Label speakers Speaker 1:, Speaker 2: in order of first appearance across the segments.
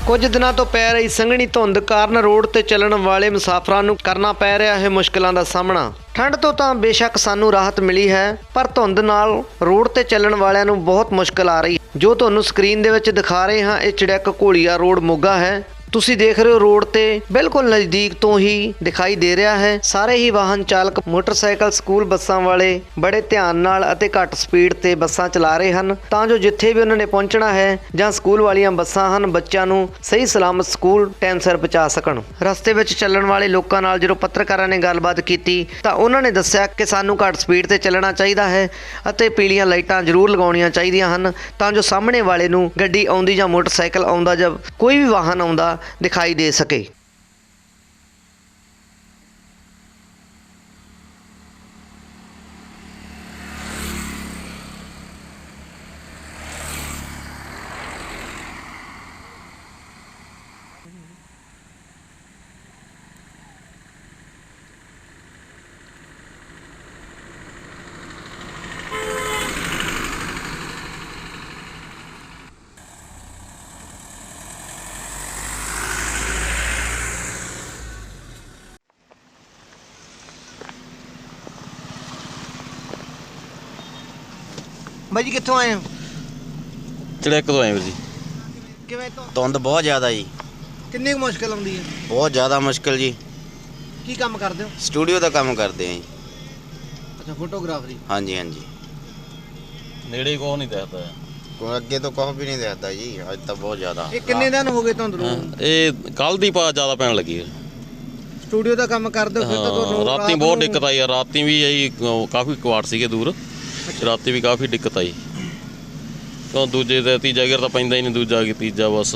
Speaker 1: ਕੁਝ ਦਿਨਾਂ ਤੋਂ ਪੈ ਰਹੀ ਸੰਘਣੀ ਧੁੰਦ ਕਾਰਨ ਰੋਡ ਤੇ ਚੱਲਣ ਵਾਲੇ ਮੁਸਾਫਰਾਂ ਨੂੰ ਕਰਨਾ ਪੈ ਰਿਹਾ ਹੈ ਮੁਸ਼ਕਲਾਂ ਦਾ ਸਾਹਮਣਾ। ਠੰਡ ਤੋਂ ਤਾਂ ਬੇਸ਼ੱਕ ਸਾਨੂੰ ਰਾਹਤ ਮਿਲੀ ਹੈ, ਪਰ ਧੁੰਦ ਨਾਲ ਰੋਡ ਤੇ ਚੱਲਣ ਵਾਲਿਆਂ ਨੂੰ ਬਹੁਤ ਮੁਸ਼ਕਲ ਆ ਰਹੀ ਹੈ। ਜੋ ਤੁਹਾਨੂੰ ਸਕਰੀਨ ਦੇ ਵਿੱਚ ਦਿਖਾ ਰਹੇ ਹਾਂ, ਇਹ ਚੜਿੱਕ ਘੋਲੀਆ ਰੋਡ ਮੋਗਾ ਹੈ। ਤੁਸੀਂ ਦੇਖ ਰਹੇ ਹੋ ਰੋਡ ਤੇ ਬਿਲਕੁਲ ਨਜ਼ਦੀਕ ਤੋਂ ਹੀ ਦਿਖਾਈ ਦੇ ਰਿਹਾ ਹੈ। ਸਾਰੇ ਹੀ ਵਾਹਨ ਚਾਲਕ ਮੋਟਰਸਾਈਕਲ, ਸਕੂਲ ਬੱਸਾਂ ਵਾਲੇ ਬੜੇ ਧਿਆਨ ਨਾਲ ਅਤੇ ਘੱਟ ਸਪੀਡ ਤੇ ਬੱਸਾਂ ਚਲਾ ਰਹੇ ਹਨ, ਤਾਂ ਜੋ ਜਿੱਥੇ ਵੀ ਉਹਨਾਂ ਨੇ ਪਹੁੰਚਣਾ ਹੈ ਜਾਂ ਸਕੂਲ ਵਾਲੀਆਂ ਬੱਸਾਂ ਹਨ, ਬੱਚਿਆਂ ਨੂੰ ਸਹੀ ਸਲਾਮਤ ਸਕੂਲ ਟਾਈਮ ਸਿਰ ਪਹੁੰਚਾ ਸਕਣ। ਰਸਤੇ ਵਿੱਚ ਚੱਲਣ ਵਾਲੇ ਲੋਕਾਂ ਨਾਲ ਜਦੋਂ ਪੱਤਰਕਾਰਾਂ ਨੇ ਗੱਲਬਾਤ ਕੀਤੀ ਤਾਂ ਉਹਨਾਂ ਨੇ ਦੱਸਿਆ ਕਿ ਸਾਨੂੰ ਘੱਟ ਸਪੀਡ ਤੇ ਚੱਲਣਾ ਚਾਹੀਦਾ ਹੈ ਅਤੇ ਪੀਲੀਆਂ ਲਾਈਟਾਂ ਜ਼ਰੂਰ ਲਗਾਉਣੀਆਂ ਚਾਹੀਦੀਆਂ ਹਨ, ਤਾਂ ਜੋ ਸਾਹਮਣੇ ਵਾਲੇ ਨੂੰ ਗੱਡੀ ਆਉਂਦੀ ਜਾਂ ਮੋਟਰਸਾਈਕਲ ਆਉਂਦਾ ਜਾਂ ਕੋਈ ਵੀ ਵਾਹਨ ਆਉਂਦਾ ਦਿਖਾਈ ਦੇ ਸਕੇ। ਬਾਈ ਜੀ ਕਿੱਥੋਂ ਆਏ ਹੋ?
Speaker 2: ਚੜਿੱਕ ਤੋਂ ਆਏ ਵੀਰ ਜੀ।
Speaker 1: ਕਿਵੇਂ ਤੋਂ?
Speaker 2: ਧੁੰਦ ਬਹੁਤ ਜ਼ਿਆਦਾ ਜੀ।
Speaker 1: ਕਿੰਨੀ ਕੁ ਮੁਸ਼ਕਲ ਆਉਂਦੀ ਹੈ?
Speaker 2: ਬਹੁਤ ਜ਼ਿਆਦਾ ਮੁਸ਼ਕਲ ਜੀ।
Speaker 1: ਕੀ ਕੰਮ ਕਰਦੇ ਹੋ?
Speaker 2: ਸਟੂਡੀਓ ਦਾ ਕੰਮ ਕਰਦੇ ਆਂ ਜੀ।
Speaker 1: ਅੱਛਾ, ਫੋਟੋਗ੍ਰਾਫਰੀ।
Speaker 2: ਹਾਂਜੀ ਹਾਂਜੀ।
Speaker 3: ਨੇੜੇ ਕੋਹ ਨਹੀਂ ਦਿਖਦਾ,
Speaker 2: ਕੋਈ ਅੱਗੇ ਤੋਂ ਕੁਛ ਵੀ ਨਹੀਂ ਦਿਖਦਾ ਜੀ, ਅੱਜ ਤਾਂ ਬਹੁਤ ਜ਼ਿਆਦਾ।
Speaker 1: ਇਹ ਕਿੰਨੇ ਦਿਨ ਹੋ ਗਏ ਧੁੰਦ ਨੂੰ?
Speaker 3: ਇਹ ਕੱਲ ਦੀ ਪਾ ਜ਼ਿਆਦਾ ਪੈਣ ਲੱਗੀ ਹੈ।
Speaker 1: ਸਟੂਡੀਓ ਦਾ ਕੰਮ ਕਰਦੇ ਹੋ ਫਿਰ ਤਾਂ ਤੁਹਾਨੂੰ
Speaker 3: ਰਾਤੀ ਬਹੁਤ ਦਿੱਕਤ ਆਈ ਆ। ਰਾਤੀ ਵੀ ਆਈ, ਕਾਫੀ ਕੁਆੜ ਸੀਗੇ ਦੂਰ, ਰਾਤੀ ਵੀ ਕਾਫੀ ਦਿੱਕਤ ਆਈ। ਕਿਉਂ ਦੂਜੇ ਤੇ ਤੀਜਾ ਗੇਰ ਤਾਂ ਪੈਂਦਾ ਹੀ ਨਹੀਂ, ਦੂਜਾ ਕਿ ਤੀਜਾ ਬਸ।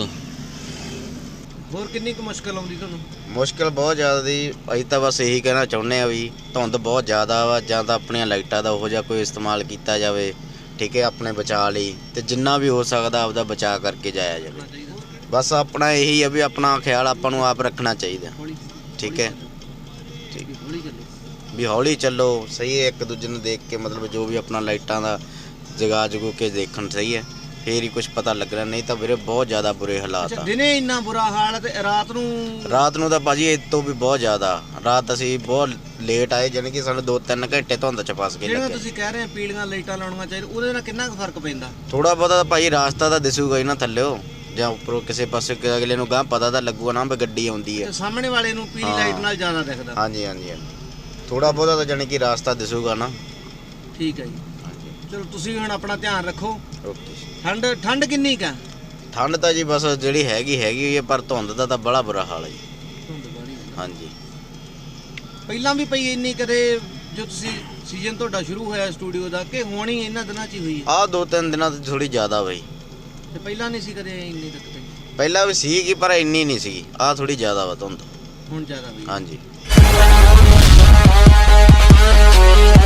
Speaker 1: ਹੋਰ ਕਿੰਨੀ ਕੁ ਮੁਸ਼ਕਲ ਆਉਂਦੀ ਤੁਹਾਨੂੰ?
Speaker 2: ਮੁਸ਼ਕਲ ਬਹੁਤ ਜ਼ਿਆਦਾ ਦੀ। ਅਸੀਂ ਤਾਂ ਬਸ ਇਹੀ ਕਹਿਣਾ ਚਾਹੁੰਦੇ ਆ ਵੀ ਧੁੰਦ ਬਹੁਤ ਜ਼ਿਆਦਾ ਵਾ, ਜਾਂ ਤਾਂ ਆਪਣੀਆਂ ਲਾਈਟਾਂ ਦਾ ਉਹੋ ਜਿਹਾ ਕੋਈ ਇਸਤੇਮਾਲ ਕੀਤਾ ਜਾਵੇ, ਠੀਕ ਹੈ, ਆਪਣੇ ਬਚਾਅ ਲਈ, ਤੇ ਜਿੰਨਾ ਵੀ ਹੋ ਸਕਦਾ ਆਪਦਾ ਬਚਾਅ ਕਰਕੇ ਜਾਇਆ ਜਾਵੇ। ਬਸ ਆਪਣਾ ਇਹੀ ਆ ਵੀ ਆਪਣਾ ਖਿਆਲ ਆਪਾਂ ਨੂੰ ਆਪ ਰੱਖਣਾ ਚਾਹੀਦਾ, ਠੀਕ ਹੈ, ਠੀਕ ਵੀ ਹੌਲੀ ਚੱਲੋ, ਸਹੀ ਹੈ। ਇੱਕ ਦੂਜੇ ਨੂੰ ਦੇਖ ਕੇ ਮਤਲਬ ਜੋ ਵੀ ਆਪਣਾ ਲਾਈਟਾਂ ਦਾ ਜਗਾ ਜਗੂ ਕੇ ਦੇਖਣ, ਸਹੀ ਹੈ, ਫੇਰ ਹੀ ਕੁਝ ਪਤਾ ਲੱਗਣਾ, ਨਹੀਂ ਤਾਂ ਵੀਰੇ ਬਹੁਤ ਜ਼ਿਆਦਾ ਬੁਰੇ ਹਾਲਾਤ ਆ।
Speaker 1: ਦਿਨੇ ਇੰਨਾ ਬੁਰਾ ਹਾਲ ਹੈ ਤੇ ਰਾਤ ਨੂੰ
Speaker 2: ਤਾਂ ਭਾਜੀ ਇਹ ਤੋਂ ਵੀ ਬਹੁਤ ਜ਼ਿਆਦਾ। ਰਾਤ ਅਸੀਂ ਬਹੁਤ ਲੇਟ ਆਏ, ਜਾਣੀ ਕਿ ਸਾਨੂੰ 2-3 ਘੰਟੇ ਧੁੰਦ ਚ ਫਸ ਗਏ।
Speaker 1: ਜਿਹੜਾ ਤੁਸੀਂ ਕਹਿ ਰਹੇ ਆ ਪੀਲੀਆਂ ਲਾਈਟਾਂ ਲਾਉਣੀਆਂ ਚਾਹੀਦੀਆਂ, ਉਹਦੇ ਨਾਲ ਕਿੰਨਾ ਕੁ ਫਰਕ ਪੈਂਦਾ?
Speaker 2: ਥੋੜਾ ਬਹੁਤਾ ਭਾਈ ਰਾਸਤਾ ਤਾਂ ਦਿਸੂਗਾ ਹੀ ਨਾ ਥੱਲਿਓ, ਜਾਂ ਉੱਪਰੋਂ ਕਿਸੇ ਪਾਸੇ ਅਗਲੇ ਨੂੰ ਗਾਂ ਪਤਾ ਤਾਂ ਲੱਗੂਗਾ ਨਾ ਵੀ ਗੱਡੀ ਆਉਂਦੀ ਹੈ।
Speaker 1: ਸਾਹਮਣੇ ਵਾਲੇ ਨੂੰ ਪੀਲੀ ਲਾਈਟ ਨਾਲ ਜ਼ਿਆਦਾ ਦਿਖਦਾ।
Speaker 2: ਹਾਂਜੀ ਹਾਂਜੀ ਹਾਂਜੀ, ਥੋੜਾ ਬਹੁਤਾ ਤਾਂ ਜਾਣੀ ਕਿ ਰਾਸਤਾ ਦਿਸੂਗਾ ਨਾ।
Speaker 1: ਠੀਕ ਹੈ ਜੀ। ਚਲੋ ਤੁਸੀਂ ਹੁਣ ਆਪਣਾ ਧਿਆਨ ਰੱਖੋ।
Speaker 2: ਓਕੇ।
Speaker 1: ਠੰਡ ਕਿੰਨੀ ਕਾ?
Speaker 2: ਠੰਡ ਤਾਂ ਜੀ ਬਸ ਜਿਹੜੀ ਹੈਗੀ ਹੋਈ ਹੈ, ਪਰ ਧੁੰਦ ਦਾ ਤਾਂ ਬੜਾ ਬੁਰਾ ਹਾਲ ਹੈ ਜੀ। ਹਾਂਜੀ।
Speaker 1: ਪਹਿਲਾਂ ਵੀ ਪਈ ਇੰਨੀ ਕਦੇ ਜੋ ਤੁਸੀਂ ਸੀਜ਼ਨ ਤੁਹਾਡਾ ਸ਼ੁਰੂ ਹੋਇਆ ਸਟੂਡੀਓ ਦਾ, ਕਿ ਹੁਣ ਹੀ ਇਹਨਾਂ ਦਿਨਾਂ 'ਚ ਹੀ ਹੋਈ?
Speaker 2: ਆਹ 2-3 ਦਿਨਾਂ ਤੋਂ ਥੋੜੀ ਜ਼ਿਆਦਾ ਬਈ।
Speaker 1: ਤੇ ਪਹਿਲਾਂ ਨਹੀਂ ਸੀ ਕਦੇ ਇੰਨੀ ਦਿੱਕਤ?
Speaker 2: ਪਹਿਲਾਂ ਵੀ ਸੀਗੀ ਪਰ ਇੰਨੀ ਨਹੀਂ ਸੀਗੀ। ਆਹ ਥੋੜੀ ਜ਼ਿਆਦਾ ਵਾ ਧੁੰਦ,
Speaker 1: ਹੁਣ ਜ਼ਿਆਦਾ ਹੋਈ?
Speaker 2: ਹਾਂਜੀ।